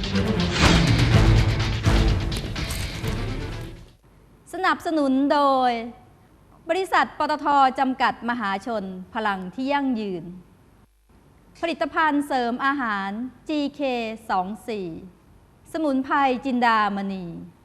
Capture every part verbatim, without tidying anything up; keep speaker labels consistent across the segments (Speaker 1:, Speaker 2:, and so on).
Speaker 1: สนับสนุนโดยบริษัทปตท.จำกัดมหาชนพลังที่ยั่งยืนผลิตภัณฑ์เสริมอาหาร จี เค สองสี่ สมุนไพรจินดามณี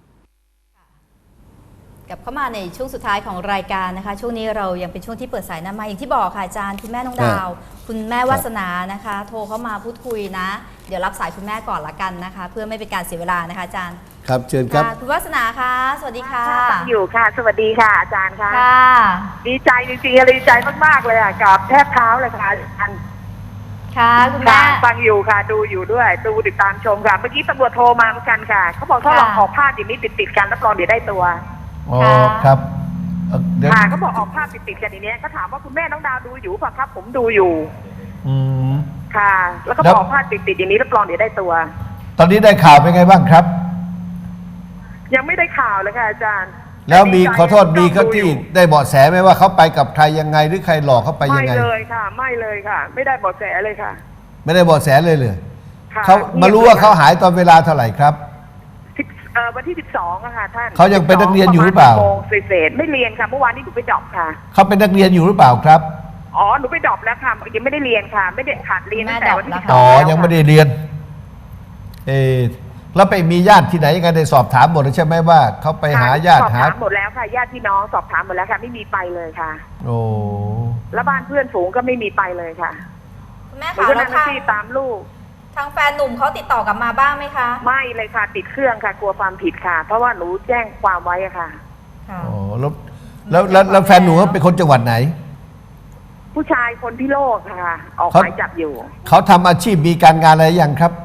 Speaker 1: กลับเข้ามาในช่วงสุดท้ายของรายการนะคะช่วงนี้เรายังเป็นช่วงที่เปิดสายหน้าไมค์อย่างที่บอกค่ะอาจารย์คุณแม่น้องดาวคุณแม่วาสนานะคะโทรเข้ามาพูดคุยนะเดี๋ยวรับสายคุณแม่ก่อนละกันนะคะเพื่อไม่เป็นการเสียเวลานะคะอาจารย์
Speaker 2: ครับเชิญครับ
Speaker 1: คุณวาสนาคะสวัสดีค่ะ
Speaker 3: ฟังอยู่ค่ะสวัสดีค่ะอาจารย์ค่ะ
Speaker 1: ค่ะ
Speaker 3: ดีใจจริงๆดีใจมากๆเลยอ่ะกับแทบเท้าเลยค่ะอาจารย์
Speaker 1: ค่ะคุณแม่
Speaker 3: ฟังอยู่ค่ะดูอยู่ด้วยดูติดตามชมค่ะเมื่อกี้ตำรวจโทรมาเหมือนกันค่ะเขาบอกถ้าลองออกภาพอย่างนี้ติดๆกันรับรองเดี๋ยวได้ตัว
Speaker 2: อ๋อครับ
Speaker 3: ค่ะเขาบอกออกภาพติดๆกันอย่างนี้ก็ถามว่าคุณแม่น้องดาวดูอยู่ป่ะครับผมดูอยู่
Speaker 2: อืม
Speaker 3: ค่ะแล้วก็บอกภาพติดๆอย่างนี้รับรองเดี๋ยวได้ตัว
Speaker 2: ตอนนี้ได้ข่าวเป็นไงบ้างครับ
Speaker 3: ยังไม่ได้ข่าวเลยค่ะอาจารย์
Speaker 2: แล้วมีขอโทษมีเขาที่ได้เบาะแสไหมว่าเขาไปกับใครยังไงหรือใครหลอกเขาไปยังไง
Speaker 3: ไม่เลยค่ะไม่เลยค่ะไม่ได้เบาะแสเลยค่ะ
Speaker 2: ไม่ได้เบาะแสเลยเลยเขามารู้ว่าเขาหายตอนเวลาเท่าไหร่ครับ
Speaker 3: วันที่สิบสองอะค่ะท่าน
Speaker 2: เขายังเป็นนักเรียนอยู่หรือเปล่า
Speaker 3: โมงเศษไม่เรียนค่ะเมื่อวานนี้หนูไปดรอปค่ะ
Speaker 2: เขาเป็นนักเรียนอยู่หรือเปล่าครับ
Speaker 3: อ๋อหนูไปดรอปแล้วค่ะยังไม่ได้เรียนค่ะไม่ได้ขาดเรียนตั้งแต่วันที่สิบสอง
Speaker 2: อ๋อยังไม่ได้เรียนเออแล้วไปมีญาติที่ไหนยังไงได้สอบถามหมดใช่ไหมว่าเขาไปหาญาติหา
Speaker 3: สอบถามหมดแล้วค่ะญาติพี่น้องสอบถามหมดแล้วค่ะไม่มีไปเลยค่ะ
Speaker 2: โอ้
Speaker 3: แล้วบ้านเพื่อนฝูงก็ไม่มีไปเลยค่ะ
Speaker 1: คุณแม่คะ
Speaker 3: แล้วที่ตามลูก
Speaker 1: ทางแฟนหนุ่มเขาติดต่อกลับมาบ้างไหมคะ
Speaker 3: ไม่เลยค่ะติดเครื่องค่ะกลัวความผิดค่ะเพราะว่าหนูแจ้งความไว้อะค่ะ
Speaker 2: อ๋อแล้วแล้วแล้วแฟนหนูเป็นคนจังหวัดไหน
Speaker 3: ผู้ชายคนพิโลกค่ะออกหมายจับอยู่
Speaker 2: เขาทำอาชีพมีการงานอะไรยังครับ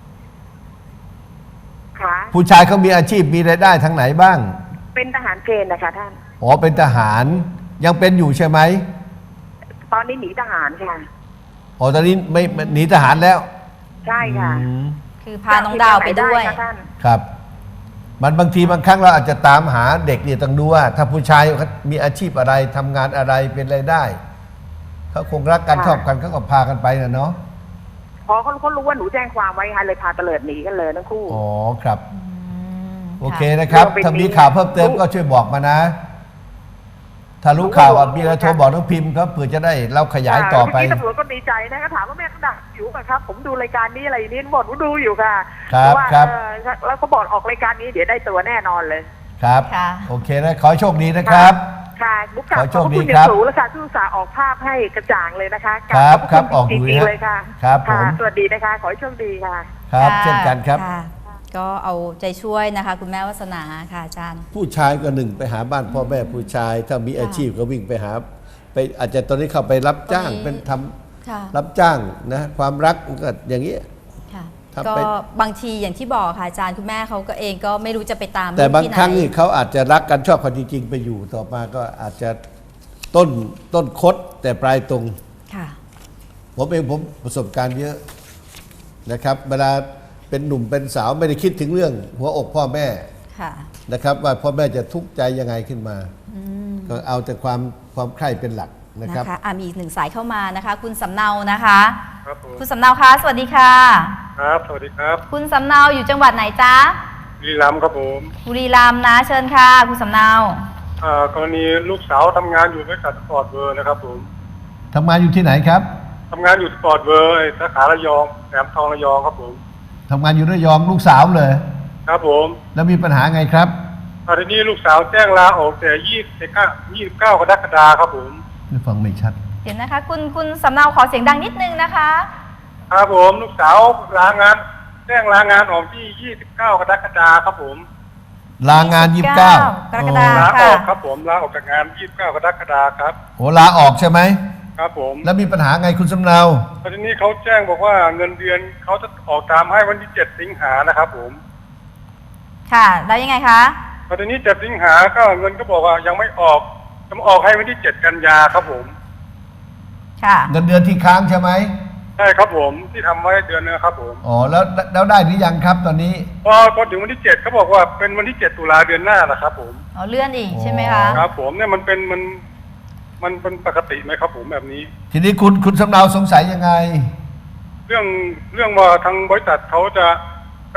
Speaker 3: ค่ะ
Speaker 2: ผู้ชายเขามีอาชีพมีรายได้ทางไหนบ้าง
Speaker 3: เป็นทหารเกณฑ์นะคะท่าน
Speaker 2: อ๋อเป็นทหารยังเป็นอยู่ใช่ไหม
Speaker 3: ตอนนี้หนีทหารค่ะ
Speaker 2: อ๋อตอนนี้ไม่หนีทหารแล้ว
Speaker 3: ใช่ค่ะ
Speaker 1: คือพาน้องดาวไปด้วย
Speaker 2: ครับมันบางทีบางครั้งเราอาจจะตามหาเด็กเนี่ยต้องดูว่าถ้าผู้ชายเขามีอาชีพอะไรทำงานอะไรเป็นรายได้เขาคงรักกันชอบกันเขาก็พากันไปนะเนาะ
Speaker 3: พอเขาเขารู้ว่าหนูแจ้งความไว้ค่ะเลยพาเตลิดหนีกันเลยทั้งคู่
Speaker 2: อ๋อครับโอเคนะครับถ้ามีข่าวเพิ่มเติมก็ช่วยบอกมานะถ้ารู้ข่าวมีอะไรโทรบอกน้องพิมพ์ครับเผื่อจะได้เราขยายต่อไป
Speaker 3: ที่ตำรวจก็ดีใจนะก็ถามว่าแม่เขาดักอยู่ป่ะครับผมดูรายการนี้อะไรนี้บอกว่าดูอยู่ค่ะ
Speaker 2: ครับครับ
Speaker 3: แล้วเขาบอกออกรายการนี้เดี๋ยวได้ตัวแน่นอนเลย
Speaker 2: ครับโอเคนะขอโชคดีนะครับ
Speaker 3: ค่ะบุกกลับ
Speaker 2: ขอโชคดีครับ
Speaker 3: สูงแล้วค่ะทุกสาออกภาพให้กระจ่างเลยนะคะ
Speaker 2: ครับครับออกดู
Speaker 3: เลยค่ะ
Speaker 2: ครับผม
Speaker 3: สวัสดีนะคะขอให้โชคดีค่ะ
Speaker 2: ครับเช่นกันครับ
Speaker 1: ก็เอาใจช่วยนะคะคุณแม่วาสนาค่ะอาจารย์
Speaker 2: ผู้ชายก็หนึ่งไปหาบ้านพ่อแม่ผู้ชายถ้ามีอาชีพก็วิ่งไปหาไปอาจจะตอนนี้เข้าไปรับจ้างเป็นทำรับจ้างนะความรักก็อย่างนี้
Speaker 1: ก็บางทีอย่างที่บอกค่ะอาจารย์คุณแม่เขาก็เองก็ไม่รู้จะไปตาม
Speaker 2: แต่บางครั้งนี่เขาอาจจะรักกันชอบกันจริงๆไปอยู่ต่อมาก็อาจจะต้นต้นคดแต่ปลายตรงผมเองผมประสบการณ์เยอะนะครับเวลาเป็นหนุ่มเป็นสาวไม่ได้คิดถึงเรื่องหัวอกพ่อแม่นะครับว่าพ่อแม่จะทุกข์ใจยังไงขึ้นมาก็เอาแต่ความความใคร่เป็นหลักนะครับ
Speaker 1: นะคะมีอีกหนึ่งสายเข้ามานะคะคุณสำเนานะคะคุณสำเนาคะสวัสดีค่ะ
Speaker 4: ครับสวัสดีครับ
Speaker 1: คุณสำเนาอยู่จังหวัดไหนจ๊ะ
Speaker 4: บุรีรัมย์ครับผม
Speaker 1: บุรีรัมย์นะเชิญค่ะคุณสำเนาก
Speaker 4: รณีลูกสาวทำงานอยู่บริษัทสปอร์ตเวอร์นะครับผม
Speaker 2: ทำงานอยู่ที่ไหนครับ
Speaker 4: ทำงานอยู่สปอร์ตเวอร์สาขาระยองแหลมทองระยองครับผม
Speaker 2: ทำงานอยู่ระยองลูกสาวเลย
Speaker 4: ครับผม
Speaker 2: แล้วมีปัญหาไงครับ
Speaker 4: ตอนนี้ลูกสาวแจ้งลาออกแต่ยี่สิบเก้ายี่สิบเก้ากรกฎาคมครับผม
Speaker 2: ไม่ฟังไม่ชัด
Speaker 1: เดี๋ยวนะคะคุณคุณสำเนาขอเสียงดังนิดนึงนะคะ
Speaker 4: ครับผมลูกสาวลางานแจ้งลางานออกที่ยี่สิบเก้ากรกฎาคมครับผม
Speaker 2: ลางานยี่สิบเก้าก
Speaker 1: รกฎาคม
Speaker 4: ลาออกครับผมลาออกจากงานยี่สิบเก้ากรกฎาคมครับ
Speaker 2: โอ้ลาออกใช่ไหม
Speaker 4: ครับผม
Speaker 2: แล้วมีปัญหาไงคุณสำเนา
Speaker 4: ตอนนี้เขาแจ้งบอกว่าเงินเดือนเขาจะออกตามให้วันที่เจ็ดสิงหานะครับผม
Speaker 1: ค่ะแล้วยังไงคะ
Speaker 4: ตอนนี้เจ็ดสิงหาก็เงินก็บอกว่ายังไม่ออกจะออกให้วันที่เจ็ดกันยาครับผม
Speaker 1: ค่ะ
Speaker 2: เงินเดือนที่ค้างใช่ไหม
Speaker 4: ใช่ครับผมที่ทำไว้เดือนนึงครับผม
Speaker 2: อ๋อแล้วแล้วได้หรือยังครับตอนนี้
Speaker 4: พอพอถึงวันที่เจ็ดเขาบอกว่าเป็นวันที่เจ็ดตุลาเดือนหน้านะครับผม
Speaker 1: อ๋อเลื่อนอีกใช่ไหมคะ
Speaker 4: ครับผมเนี่ยมันเป็นมันมันเป็นปกติไหมครับผมแบบนี้
Speaker 2: ทีนี้คุณคุณสำเนาสงสัยยังไง
Speaker 4: เรื่องเรื่องว่าทางบริษัทเขาจะไป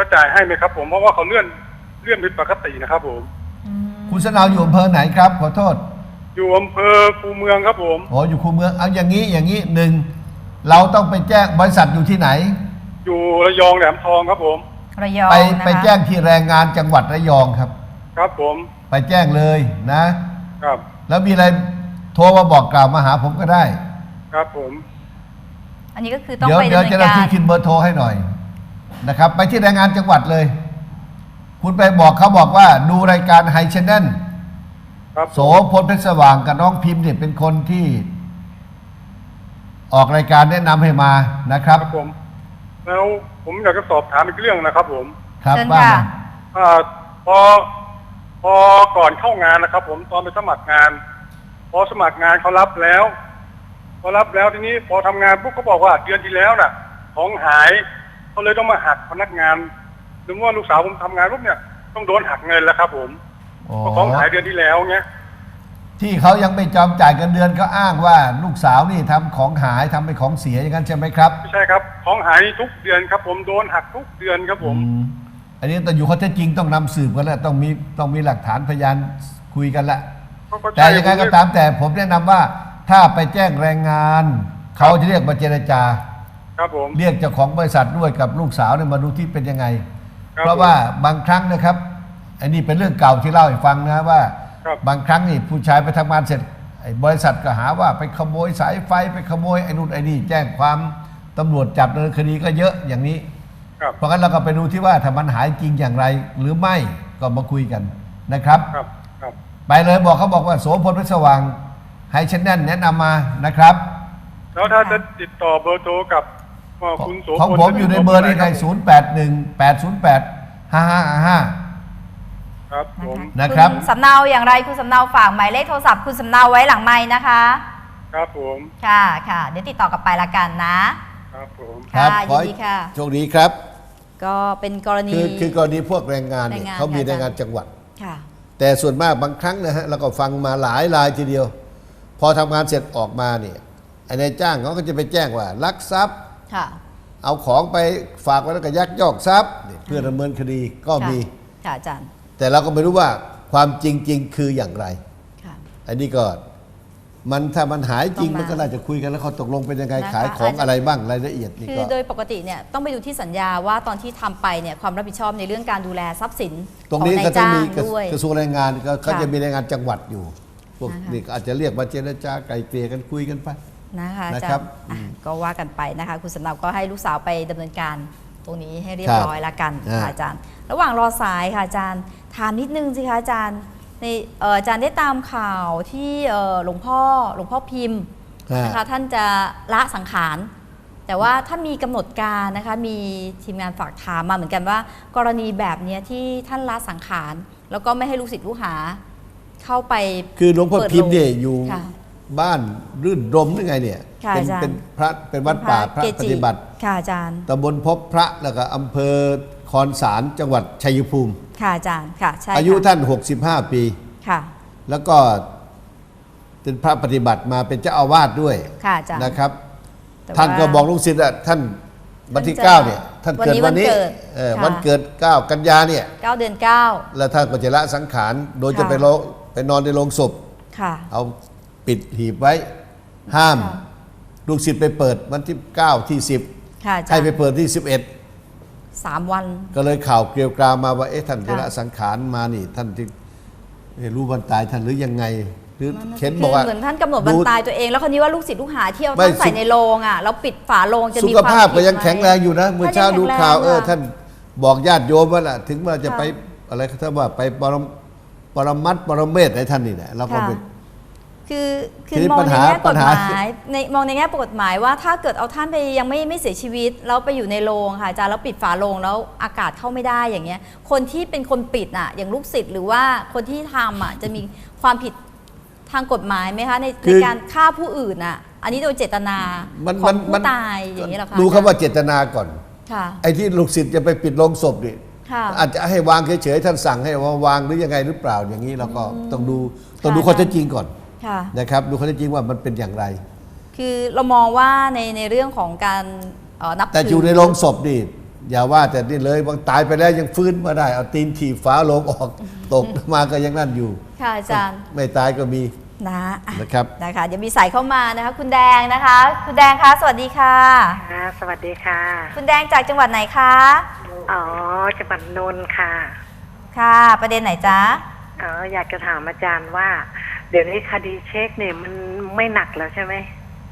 Speaker 4: จะจ่ายให้ไหมครับผมเพราะว่าเขาเลื่อนเลื่อนผิดปกตินะครับผม
Speaker 2: คุณสนาวอยู่อำเภอไหนครับขอโทษ
Speaker 4: อยู่อำเภอคูเมืองครับผม
Speaker 2: อ๋ออยู่คูเมืองเอาอย่างนี้อย่างนี้หนึ่งเราต้องไปแจ้งบริษัทอยู่ที่ไหน
Speaker 4: อยู่ระยองแหลมทองครับผม
Speaker 1: ระยอง
Speaker 2: ไป
Speaker 1: นะคะ
Speaker 2: ไปแจ้งที่แรงงานจังหวัดระยองครับ
Speaker 4: ครับผม
Speaker 2: ไปแจ้งเลยนะ
Speaker 4: ครับ
Speaker 2: แล้วมีอะไรโทรมาบอกกล่าวมาหาผมก็ได้
Speaker 4: ครับผม
Speaker 1: อันนี้ก็คือต้อง
Speaker 2: เดี๋ยว
Speaker 1: ไป
Speaker 2: เดี๋ยว
Speaker 1: ดำเนิ
Speaker 2: เจ้าน หน้า
Speaker 1: การ
Speaker 2: ที่ขึ้นเบอร์โทรให้หน่อยนะครับ ไปที่แรงงานจังหวัดเลย คุณไปบอกเขาบอกว่าดูรายการไฮชแนล
Speaker 4: ครับ
Speaker 2: โสพลเพชรสว่างกับน้องพิมพ์เนี่ยเป็นคนที่ ออกรายการแนะนำให้มานะครับ
Speaker 4: ครับผมแล้วผมอยากจะสอบถามอีกเรื่องนะครับผม
Speaker 2: ครับ
Speaker 1: เชิญ
Speaker 2: ว่า
Speaker 1: ค่ะ
Speaker 2: มา
Speaker 4: อ่าพอพอก่อนเข้างานนะครับ ผมตอนไปสมัครงาน พอสมัครงานเขารับแล้วพอรับแล้วทีนี้พอทำงานปุ๊บเขาบอกว่าเดือนที่แล้วน่ะ ของหายเขาเลยต้องมาหักพนักงานหรือว่าลูกสาวผมทำงานปุ๊บเนี่ยต้องโดนหักเงินแล้วครับผม
Speaker 2: อ๋อ
Speaker 4: เพราะของหายเดือนที่แล้วเงี้ย
Speaker 2: ที่เขายังไม่จอมจ่ายเงินเดือนเขาอ้างว่าลูกสาวนี่ทำของหายทำเป็นของเสียอย่างนั้นใช่ไหมครับ
Speaker 4: ไม่ใช่ครับของหายทุกเดือนครับ ผมโดนหักทุกเดือนครับผม
Speaker 2: อืมอันนี้แต่อยู่ข้อเท็จจริงต้องนำสืบกันแล้วต้องมีต้องมีหลักฐานพยานคุยกันละ
Speaker 4: เขาก็
Speaker 2: แต่
Speaker 4: ใช่
Speaker 2: ยังไงก็ตามแต่ผมแนะนำว่าถ้าไปแจ้งแรงงาน เขาจะเรียกมาเจรจา
Speaker 4: ครับผม
Speaker 2: เรียกเจ้าของบริษัทด้วยกับลูกสาวเนี่ยมาดูที่เป็นยังไง
Speaker 4: ครับ
Speaker 2: เพราะว่าบางครั้งนะครับอันนี้เป็นเรื่องเก่าที่เล่าให้ฟังนะว่า
Speaker 4: ครับ
Speaker 2: บางครั้งนี่ผู้ชายไปทำงานเสร็จไอ้บริษัทก็หาว่าไปขโมยสายไฟไปขโมยไอ้นู่นไอ้นี่แจ้งความตำรวจจับดำเนินคดีก็เยอะอย่างนี้
Speaker 4: ครับ
Speaker 2: เพราะงั้นเราก็ไปดูที่ว่าถ้ามันหายจริงอย่างไรหรือไม่ก็มาคุยกันนะครับ
Speaker 4: ครับครับ
Speaker 2: ไปเลยบอกเขาบอกว่าโสพลเพชรสว่างให้ฉันแน่นแนะนำมานะครับ
Speaker 4: แล้วถ้าจะติดต่อเบอร์โทรกับเอ่อคุณโสพล
Speaker 2: ของผมอยู่ในเบอร์นี้ใครศูนย์แปดหนึ่งแปดศูนย์แปดห้าห้าห้า
Speaker 4: ครับผม
Speaker 2: นะครับ
Speaker 1: ณสำเนาอย่างไรคุณสำเนาฝากหมายเลขโทรศัพท์คุณสำเนาไว้หลังไม้นะคะ
Speaker 4: ครับผม
Speaker 1: ค่ะค่ะเดี๋ยวติดต่อกลับไปละกันนะ
Speaker 4: ครับผม
Speaker 2: ครับ
Speaker 1: ค่ะ
Speaker 2: ขอ
Speaker 1: ยินดีค่ะ
Speaker 2: โชคดีครับ
Speaker 1: ก็เป็นกรณี
Speaker 2: คือคือกรณีพวกแรงงานเนี่ย
Speaker 1: แรงงาน
Speaker 2: เขามี
Speaker 1: ค่ะ
Speaker 2: แรงงานจังหวัด
Speaker 1: ค่ะ
Speaker 2: แต่ส่วนมากบางครั้งนะฮะเราก็ฟังมาหลายรายทีเดียว พอทำงานเสร็จออกมาเนี่ยไอ้นายจ้างเขาก็จะไปแจ้งว่าลักทรัพย์
Speaker 1: ค่ะ
Speaker 2: เอาของไปฝากไว้แล้วก็ยักยอกทรัพย์เนี่ยเพื่อดำเนินคดีก็มี
Speaker 1: ค่ะอาจารย์
Speaker 2: แต่เราก็ไม่รู้ว่าความจริง ๆ คืออย่างไร
Speaker 1: ค่ะ
Speaker 2: อันนี้ก็มันถ้ามันหายจริง
Speaker 1: ต้องมามั
Speaker 2: มันก็น่าจะคุยกันแล้วเขาตกลงเป็นยังไง
Speaker 1: นะคะ
Speaker 2: ขายของ
Speaker 1: อาจจะ
Speaker 2: อะไรบ้างรายละเอียดนี่
Speaker 1: คือ
Speaker 2: ก็
Speaker 1: โดยปกติเนี่ยต้องไปดูที่สัญญาว่าตอนที่ทำไปเนี่ยความรับผิดชอบในเรื่องการดูแลทรัพย์สิน
Speaker 2: ตรง
Speaker 1: ของ
Speaker 2: นี้
Speaker 1: นา
Speaker 2: ก็
Speaker 1: ย
Speaker 2: ต้อง
Speaker 1: จ้าง
Speaker 2: มีกระ
Speaker 1: ด้วย
Speaker 2: กระทรวงแรงงานก็เขา
Speaker 1: ค่ะ
Speaker 2: จะมีแรงงานจังหวัดอยู่พวก
Speaker 1: นะคะ
Speaker 2: นี่ก็อาจจะเรียกมาเจรจาไกลเกลี่ยกันคุยกันไป
Speaker 1: นะคะอา
Speaker 2: นะ
Speaker 1: จา
Speaker 2: ครั
Speaker 1: ร
Speaker 2: บ
Speaker 1: ย์อ่ะก็ว่ากันไปนะคะ คุณสำเนาก็ให้ลูกสาวไปดำเนินการตรงนี้ให้เรีย
Speaker 2: ครับ บ
Speaker 1: ร้อยละกัน
Speaker 2: อ่า
Speaker 1: ค่ะอาจารย์ ระหว่างรอสายค่ะอาจารย์ถามนิดนึงสิคะอาจารย์ในเอ่ออาจารย์ได้ตามข่าวที่เอ่อหลวงพ่อหลวงพ่อพิมพ์
Speaker 2: อ่า
Speaker 1: นะคะท่านจะละสังขาร แต่ว่าถ้ามีกำหนดการนะคะมีทีมงานฝากถามมาเหมือนกันว่า กรณีแบบเนี้ยที่ท่านละสังขาร แล้วก็ไม่ให้ลูกศิษย์ลูกหาเข้าไป
Speaker 2: คือหลวงพ่อพิมพ์เนี่ยอยู่
Speaker 1: ค่ะ
Speaker 2: บ้านรื่นรมหรือไงเนี่ย
Speaker 1: ค่ะ
Speaker 2: เป็น
Speaker 1: อาจารย์
Speaker 2: เป็นพระเป็นวัดป่าพระ
Speaker 1: เก
Speaker 2: ป
Speaker 1: จิ
Speaker 2: ฏิบัติ
Speaker 1: ค่ะอาจารย์
Speaker 2: ตำบลพบพระแล้วก็อำเภอคอนสารจังหวัดชัยภูมิ
Speaker 1: ค่ะอาจารย์ค่ะใช่
Speaker 2: อายุ
Speaker 1: ค่ะ
Speaker 2: ท่านหกสิบห้าปี
Speaker 1: ค่ะ
Speaker 2: แล้วก็เป็นพระปฏิบัติมาเป็นเจ้าอาวาสด้วย
Speaker 1: ค่ะอาจารย์
Speaker 2: นะครับ
Speaker 1: แต่
Speaker 2: ท่านก็
Speaker 1: ว่า
Speaker 2: บอกลูกศิษย์อะท่านวันที่
Speaker 1: ท่านจะ
Speaker 2: เก้าเนี่ยท่านเกิด
Speaker 1: วั
Speaker 2: วัน น
Speaker 1: นี้
Speaker 2: นี้
Speaker 1: วันเกิด
Speaker 2: เออ
Speaker 1: ค่ะ
Speaker 2: วันเกิดเก้ากันยาเนี่ย
Speaker 1: เก้าเดือนเก้า
Speaker 2: แล้วท่านก็จะละสังขารโดย
Speaker 1: ค่ะ
Speaker 2: จะไปโลไปนอนในโรงศพ
Speaker 1: ค่ะ
Speaker 2: เอาปิดหีบไว้ ห้าม
Speaker 1: ค่ะ
Speaker 2: ลูกศิษย์ไปเปิดวันที่เก้าที่สิบ
Speaker 1: ค่ะอาจาร
Speaker 2: ให้ไป
Speaker 1: ย์
Speaker 2: เปิดที่สิบเอ็ด
Speaker 1: สามวัน
Speaker 2: ก็เลยข่าวเกลียวกราวมาว่าเอ๊ะท่านจะ
Speaker 1: ค่ะ
Speaker 2: ละสังขารมานี่ ท่านที่ไม่รู้วันตายท่านหรือยังไง หรือ
Speaker 1: นั่นน่ะ
Speaker 2: เข็น
Speaker 1: คื
Speaker 2: บอกว่า
Speaker 1: เหมือนท่านกำหนดวัน
Speaker 2: ดู
Speaker 1: ตายตัวเอง แล้วคนนี้ว่าลูกศิษย์ลูกหาที่เอา
Speaker 2: ไม่
Speaker 1: ท่านใส่
Speaker 2: สุข
Speaker 1: ในโรงอ่ะแล้วปิดฝาโรงจะ
Speaker 2: สุ
Speaker 1: มี
Speaker 2: ข
Speaker 1: ความ
Speaker 2: ภาพ
Speaker 1: ผิ
Speaker 2: ก็
Speaker 1: ด
Speaker 2: ยัง
Speaker 1: ไหม
Speaker 2: แข็งแรงอยู่นะเมื่อเช้า
Speaker 1: ท่านยัง
Speaker 2: ดูข่าว
Speaker 1: แข็งแรง
Speaker 2: เออ
Speaker 1: ค่ะ
Speaker 2: ท่านบอกญาติโยมว่าล่ะถึงว่าจะ
Speaker 1: ค่ะ
Speaker 2: ไปอะไรถ้าว่าไปปรมปรมัตถ์ปรเมศให้ท่านนี่แหละเราก็
Speaker 1: ค่ะ
Speaker 2: เป็น
Speaker 1: คือคื
Speaker 2: ที
Speaker 1: อ
Speaker 2: นี้
Speaker 1: มอง
Speaker 2: ปัญ
Speaker 1: ใน
Speaker 2: หา
Speaker 1: แง่
Speaker 2: ปั
Speaker 1: ก
Speaker 2: ญ
Speaker 1: ฎ
Speaker 2: หา
Speaker 1: หมายในมองในแง่กฎหมายว่าถ้าเกิดเอาท่านไปยังไม่ไม่เสียชีวิตแล้วไปอยู่ในโรงค่ะอาจารย์แล้วปิดฝาโรงแล้วอากาศเข้าไม่ได้อย่างเงี้ยคนที่เป็นคนปิดอ่ะอย่างลูกศิษย์หรือว่าคนที่ทำอ่ะจะมีความผิดทางกฎหมายไหมคะใน
Speaker 2: คื
Speaker 1: ใน
Speaker 2: อ
Speaker 1: การฆ่าผู้อื่นอ่ะอันนี้โดยเจตนา
Speaker 2: มัน
Speaker 1: ขอ
Speaker 2: มั
Speaker 1: ง
Speaker 2: น
Speaker 1: ผู้
Speaker 2: มัน
Speaker 1: ตายอย่างนี้เหรอคะ
Speaker 2: ดูคำว่าเจตนาก่อน
Speaker 1: ค่ะ
Speaker 2: ไอ้ที่ลูกศิษย์จะไปปิดโรงศพนี่
Speaker 1: ค่ะ
Speaker 2: อาจจะให้วางเฉยๆท่านสั่งให้วางหรือยังไงหรือเปล่าอย่างนี้เราก็ต้องดูต้องดู
Speaker 1: ค่ะ
Speaker 2: ข้อเท็จจริงก่อน
Speaker 1: ค่ะ
Speaker 2: นะครับดูข้อเท็จจริงว่ามันเป็นอย่างไร
Speaker 1: คือเรามองว่าในในเรื่องของการเอ่อนับ
Speaker 2: แต่
Speaker 1: ถื
Speaker 2: อยู่ในโรงศพนี่อย่าว่าแต่นี่เลยบางตายไปแล้วยังฟื้นมาได้เอาตีนถีบฝาโลงออก ตกมาก็ยังนั่นอยู่
Speaker 1: ค่ะอาจารย์
Speaker 2: ไม่ตายก็มี
Speaker 1: นะอ่ะ
Speaker 2: นะครับ
Speaker 1: นะคะเดี๋ยวมีสายเข้ามานะคะคุณแดงนะคะ คุณแดงคะสวัสดีค่ะ
Speaker 3: ค่ะสวัสดีค่ะ
Speaker 1: คุณแดงจากจังหวัดไหนคะ
Speaker 3: อ๋อจังหวัดนนท์ค่ะ
Speaker 1: ค่ะประเด็นไหนจ๊ะ
Speaker 3: อ๋ออยากจะถามอาจารย์ว่า เดี๋ยวนี้คดีเช็คเนี่ยมันไม่หนักแล้วใช่ไหม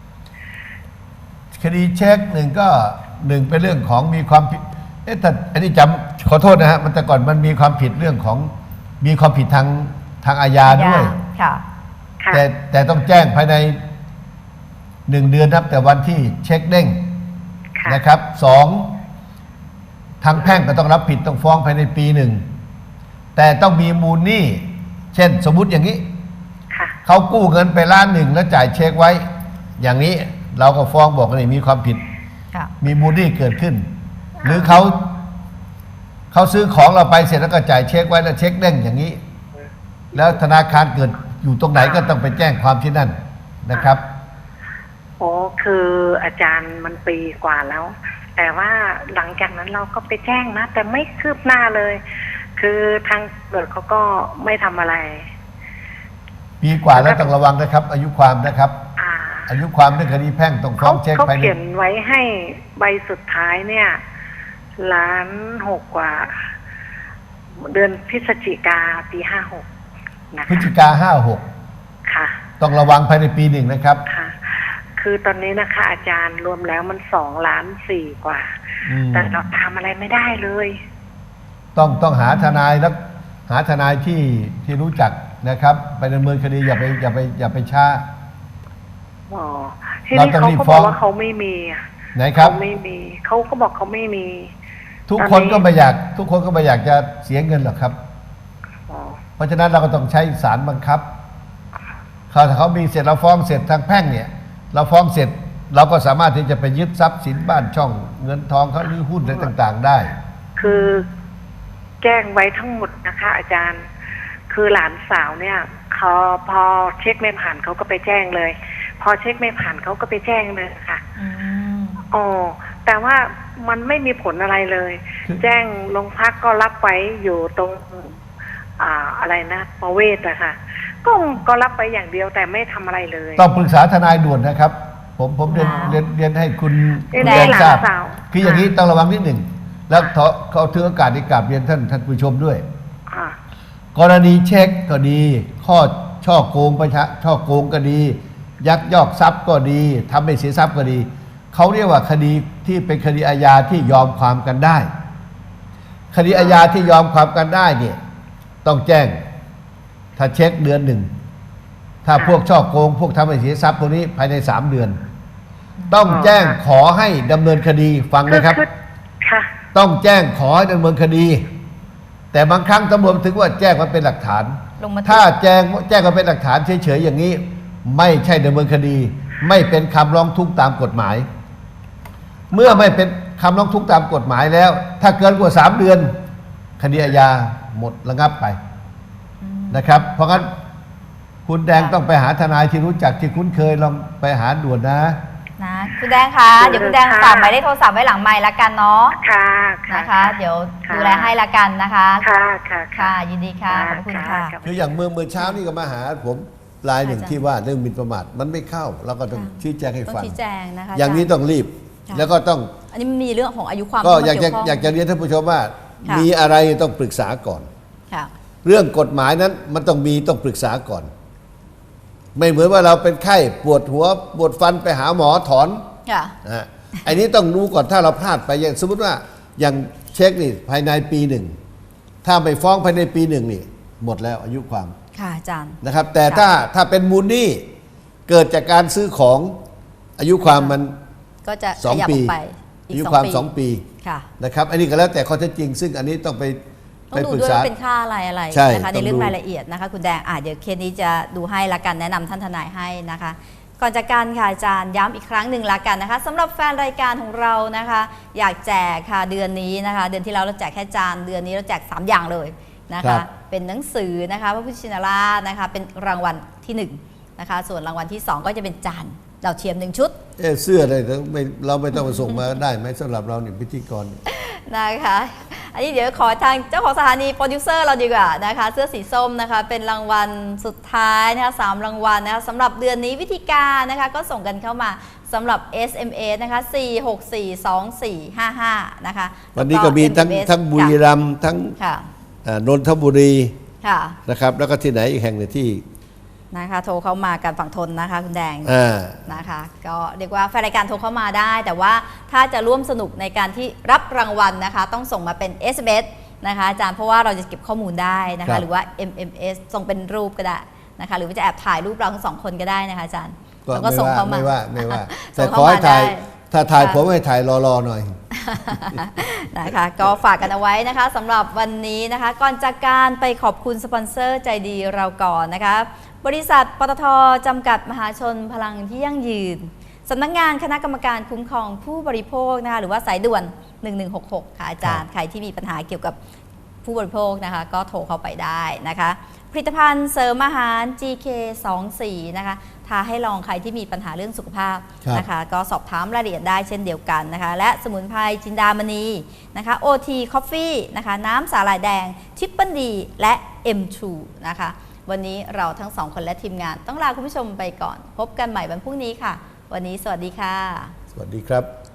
Speaker 2: คดีเช็คหนึ่งก็หนึ่งเป็นเรื่องของมีความผิดเอ๊ะแต่อันนี้จำขอโทษนะฮะมันแต่ก่อนมันมีความผิดเรื่องของมีความผิดทางทางอาญาด้วย
Speaker 1: ค่ะ
Speaker 3: ค่ะ
Speaker 2: แต่แต่ต้องแจ้งภายในหนึ่งเดือนนับแต่วันที่เช็คเด้ง
Speaker 3: ค่ะ
Speaker 2: นะครับสองทางแพ่งก็ต้องรับผิดต้องฟ้องภายในปีหนึ่งแต่ต้องมีมูลหนี้เช่นสมมุติอย่างนี้
Speaker 3: ค่ะ
Speaker 2: เขากู้เงินไปล้านหนึ่งแล้วจ่ายเช็คไว้ อย่างนี้เราก็ฟ้องบอกว่านี่มีความผิด
Speaker 1: ค่ะ
Speaker 2: มีมูลหนี้เกิดขึ้น หรือเขาเขาซื้อของเราไปเสร็จแล้วก็จ่ายเช็คไว้แล้วเช็คเด้งอย่างนี้ แล้วธนาคารเกิดอยู่ตรงไหนก็ต้องไปแจ้งความที่นั่นนะครับ
Speaker 3: โอ้คืออาจารย์มันปีกว่าแล้ว แต่ว่าหลังจากนั้นเราก็ไปแจ้งนะ แต่ไม่คืบหน้าเลย คือทางตำรวจเขาก็ไม่ทำอะไร
Speaker 2: ปีกว่าแล้วต้องระวังนะครับ อายุความนะครับ
Speaker 3: อ่า
Speaker 2: อายุความเรื่องคดีแพ่งต้องฟ้
Speaker 3: เขา
Speaker 2: องเช็ค
Speaker 3: เขา
Speaker 2: ภายใน
Speaker 3: เขียนไว้ให้ใบสุดท้ายเนี่ยล้านหกกว่า เดือนพฤศจิกาปีห้าหกนะ
Speaker 2: พฤศ
Speaker 3: คะ
Speaker 2: จิกาห้าหก
Speaker 3: ค่ะ
Speaker 2: ต้องระวังภายในปีหนึ่งนะครับ
Speaker 3: ค่ะ คือตอนนี้นะคะ อาจารย์รวมแล้วมันสองล้านสี่กว่า
Speaker 2: อืม
Speaker 3: แต่เราทำอะไรไม่ได้เลย
Speaker 2: ต้องต้องหาทนายแล้วหาทนายที่ที่รู้จักนะครับ ไปดำเนินคดีอย่าไปอย่าไปอย่าไปช้า
Speaker 3: อ๋อที
Speaker 2: เรา
Speaker 3: นี้
Speaker 2: ต้อง
Speaker 3: เขา
Speaker 2: รีบ
Speaker 3: ก็
Speaker 2: ฟ้
Speaker 3: บ
Speaker 2: อ
Speaker 3: อง กว่าเขาไม่มีอะ
Speaker 2: ไหนครับ
Speaker 3: เขาไม่มีเขาก็บอกเขาไม่มี
Speaker 2: ทุก
Speaker 3: ตอนนี้
Speaker 2: คนก็ไม่อยาก ทุกคนก็ไม่อยากจะเสียเงินหรอกครับ
Speaker 3: อ๋อ
Speaker 2: เพราะฉะนั้นเราก็ต้องใช้ศาลบังคับเขาถ้าเขามีเสร็จเราฟ้องเสร็จทางแพ่งเนี่ย เราฟ้องเสร็จเราก็สามารถที่จะไปยึดทรัพย์สินบ้านช่องเงินทองเขาหรือหุ้นอะไรต่าง ๆ ได้
Speaker 3: คือแจ้งไว้ทั้งหมดนะคะ อาจารย์ คือหลานสาวเนี่ยเขาพอเช็คไม่ผ่านเขาก็ไปแจ้งเลย พอเช็คไม่ผ่านเขาก็ไปแจ้งเลยค่ะ
Speaker 1: อืม
Speaker 3: อ๋อแต่ว่ามันไม่มีผลอะไรเลย
Speaker 2: คือ
Speaker 3: แจ้งโรงพักก็รับไว้อยู่ตรง อ่าอะไรนะประเวศอะค่ะ ก็ก็รับไปอย่างเดียวแต่ไม่ทำอะไรเลย
Speaker 2: ต้องปรึกษาทนายด่วนนะครับ ผมผมเรียนเรียนเรียนให้คุณ
Speaker 3: เรียน
Speaker 2: คุณ
Speaker 3: ให้
Speaker 2: แดง
Speaker 3: หลาน
Speaker 2: ทราบ
Speaker 3: สาว
Speaker 2: คืออย่างนี้ต้องระวังนิดหนึ่ง แล้วขอเขาถือโอกาสในกราบเรียนท่านท่านผู้ชมด้วย
Speaker 3: อ่า
Speaker 2: กรณีเช็คก็ดี ข้อช่อโกงประชาช่อโกงก็ดี ยักยอกทรัพย์ก็ดีทำให้เสียทรัพย์ก็ดี เขาเรียกว่าคดีที่เป็นคดีอาญาที่ยอมความกันได้ คดีอาญาที่ยอมความกันได้เนี่ยต้องแจ้ง ถ้าเช็คเดือนหนึ่ง ถ้าพวกช่อโกง พวกทำให้เสียทรัพย์พวกนี้ภายในสามเดือน ต้องแจ้งขอให้ดำเนินคดีฟังนะครับ
Speaker 3: คือค่ะ
Speaker 2: ต้องแจ้งขอให้ดำเนินคดี แต่บางครั้งตำรวจถึงว่าแจ้งมาเป็นหลักฐาน
Speaker 1: ลงมา
Speaker 2: ถ้าแจ้งแจ้งมาเป็นหลักฐานเฉยๆอย่างนี้ ไม่ใช่ดำเนินคดี ไม่เป็นคำร้องทุกข์ตามกฎหมาย เมื่อไม่เป็นคำร้องทุกข์ตามกฎหมายแล้ว ถ้าเกินกว่าสามเดือน คดีอาญาหมดระงับไปนะครับ เพราะงั้นคุณแดงต้องไปหาทนายที่รู้จักที่คุ้นเคยลองไปหาด่วนนะ
Speaker 1: นะคุณแดงคะเดี๋ยวคุณแดง
Speaker 3: ค่ะ
Speaker 1: ฝากหมายเลขโทรศัพท์ไว้หลังไมค์ละกันเนาะ
Speaker 3: ค่ะค่ะ
Speaker 1: นะคะ เดี๋ยว
Speaker 3: ค่ะ
Speaker 1: ดูแลให้ละกันนะคะ
Speaker 3: ค่ะค่ะ
Speaker 1: ค่ะ ยินดีค่ะขอบคุณค่ะ
Speaker 2: คืออย่างเมื่อเมื่อเช้านี่ก็มาหาผมรายหนึ่ง
Speaker 1: อาจารย์
Speaker 2: ที่ว่าเรื่องหมิ่นประมาทมันไม่เข้าเราก็ต้อง
Speaker 1: ค่ะ
Speaker 2: ชี้แจงให้
Speaker 1: ต้อง
Speaker 2: ฟัง
Speaker 1: ชี้แจงนะคะ
Speaker 2: อย่างนี้
Speaker 1: จร
Speaker 2: ต้องรีบ
Speaker 1: ค่ะ
Speaker 2: แล้วก็ต้อง
Speaker 1: อันนี้มันมีเรื่องของอายุความ
Speaker 2: ก็
Speaker 1: เข้ม
Speaker 2: อยากจะ
Speaker 1: เวข้ง
Speaker 2: อยากจะเรียนท่านผู้ชมว่า
Speaker 1: ค่ะ
Speaker 2: มีอะไรต้องปรึกษาก่อน
Speaker 1: ค่ะ
Speaker 2: เรื่องกฎหมายนั้นมันต้องมีต้องปรึกษาก่อน ไม่เหมือนว่าเราเป็นไข้ปวดหัวปวดฟันไปหาหมอถอน
Speaker 1: ค่ะ
Speaker 2: นะฮะไอ้นี้ต้องรู้ก่อนถ้าเราพลาดไปอย่างสมมติว่าอย่างเช็คนี่ภายในปีหนึ่งถ้าไม่ฟ้องภายในปีหนึ่งนี่หมดแล้วอายุความ
Speaker 1: ค่ะอาจารย์
Speaker 2: นะครับ แต่
Speaker 1: ค่ะ
Speaker 2: ถ้าถ้าเป็นมูลหนี้เกิดจากการซื้อของอายุความมัน
Speaker 1: ก็จะ
Speaker 2: สอง
Speaker 1: ขยับ
Speaker 2: ปี
Speaker 1: ออกไปอี
Speaker 2: อาก ยุ
Speaker 1: สอง
Speaker 2: ความ
Speaker 1: ปี
Speaker 2: สองปี
Speaker 1: ค่ะ
Speaker 2: นะครับอันนี้ก็แล้วแต่ข้อเท็จจริง ซึ่งอันนี้ต้องไป
Speaker 1: ต้อ
Speaker 2: ไป
Speaker 1: งดู
Speaker 2: ปรึก
Speaker 1: ด้วย
Speaker 2: ษา
Speaker 1: ว่าเป็นค่าอะไรอะไร
Speaker 2: ใช่
Speaker 1: นะคะ
Speaker 2: ต้
Speaker 1: ใน
Speaker 2: องดู
Speaker 1: เรื่องรายละเอียดนะคะคุณแดงอ่ะเดี๋ยวเคสนี้จะดูให้ละกันแนะนำท่านทนายให้นะคะ ก่อนจากการค่ะอาจารย์ย้ำอีกครั้งหนึ่งละกันนะคะสำหรับแฟนรายการของเรานะคะ อยากแจกค่ะเดือนนี้นะคะ เดือนที่แล้วเราแจกแค่จานเดือนนี้เราแจกสามอย่างเลยนะ
Speaker 2: ครั
Speaker 1: คะ
Speaker 2: บ
Speaker 1: เป็นหนังสือนะคะพระพุทธชินราชนะคะเป็นรางวัลที่หนึ่งนะคะส่วนรางวัลที่สองก็จะเป็นจานดาวเทียมหนึ่งชุด
Speaker 2: เอ๊ะเสื้ออะไรเราไม่เราไม่ต้องมาส่งมาได้ไหมสำหรับเราเนี่ยพิธีกร
Speaker 1: นะคะอันนี้เดี๋ยวขอทางเจ้าของสถานีโปรดิวเซอร์เราดีกว่านะคะเสื้อสีส้มนะคะเป็นรางวัลสุดท้ายนะคะสามรางวัลนะคะสำหรับเดือนนี้วิธีการนะคะก็ส่งกันเข้ามาสำหรับ เอส เอ็ม เอส นะคะสี่หกสี่สองสี่ห้าห้านะคะ
Speaker 2: วันนี้ก็มีทั้ง
Speaker 1: เอ็ม เอ็ม เอส
Speaker 2: ทั้งบุรีรัมย์ทั้ง
Speaker 1: ค่ะ
Speaker 2: อ่านนทบุรี
Speaker 1: ค่ะ
Speaker 2: นะครับแล้วก็ที่ไหนอีกแห่งหนึ่งที่
Speaker 1: นะคะโทรเข้ามากันฝั่งทนนะคะคุณแดง
Speaker 2: อ่า
Speaker 1: นะคะก็เรียกว่าแฟนรายการโทรเข้ามาได้ แต่ว่าถ้าจะร่วมสนุกในการที่รับรางวัลนะคะต้องส่งมาเป็น เอส เอ็ม เอส นะคะอาจารย์เพราะว่าเราจะเก็บข้อมูลได้นะ
Speaker 2: ครั
Speaker 1: คะ
Speaker 2: บ
Speaker 1: หรือว่า เอ็ม เอ็ม เอส ส่งเป็นรูปก็ได้นะคะหรือว่าจะแอบถ่ายรูปเราทั้งสองคนก็ได้นะคะอาจารย์
Speaker 2: ก็
Speaker 1: แล้วก็
Speaker 2: ไม่
Speaker 1: ส่ง
Speaker 2: ว่า
Speaker 1: เข้ามา
Speaker 2: ไม่ว่าไม่ว่า
Speaker 1: ส่
Speaker 2: แต่
Speaker 1: ง
Speaker 2: ข
Speaker 1: เข้
Speaker 2: อให้ถ่าย
Speaker 1: ได้
Speaker 2: ถ้าถ่าย
Speaker 1: ค่ะ
Speaker 2: ผมให้ถ่ายรอๆหน่อย
Speaker 1: นะคะก็ฝากกันเอาไว้นะคะสำหรับวันนี้นะคะก่อนจากการไปขอบคุณสปอนเซอร์ใจดีเราก่อนนะคะบริษัทปตท.จำกัดมหาชนพลังที่ยั่งยืนสำนักงานคณะกรรมการคุ้มครองผู้บริโภคนะคะหรือว่าสายด่วนหนึ่งหนึ่งหกหกค่ะอาจารย์ใครที่มีปัญหาเกี่ยวกับผู้บริโภคนะคะก็โทรเข้าไปได้นะคะผลิตภัณฑ์เสริมอาหาร จี เค สองสิบสี่ นะคะท้าให้ลองใครที่มีปัญหาเรื่องสุขภาพ
Speaker 2: ครับ
Speaker 1: นะคะก็สอบถามรายละเอียดได้เช่นเดียวกันนะคะและสมุนไพรจินดามณีนะคะ โอ ที Coffee นะคะน้ำสาหร่ายแดงทิปเปิลดีและ เอ็ม ทู นะคะวันนี้เราทั้งสองคนและทีมงานต้องลาคุณผู้ชมไปก่อน พบกันใหม่วันพรุ่งนี้ค่ะ วันนี้สวัสดีค่ะ
Speaker 2: สวัสดีครับ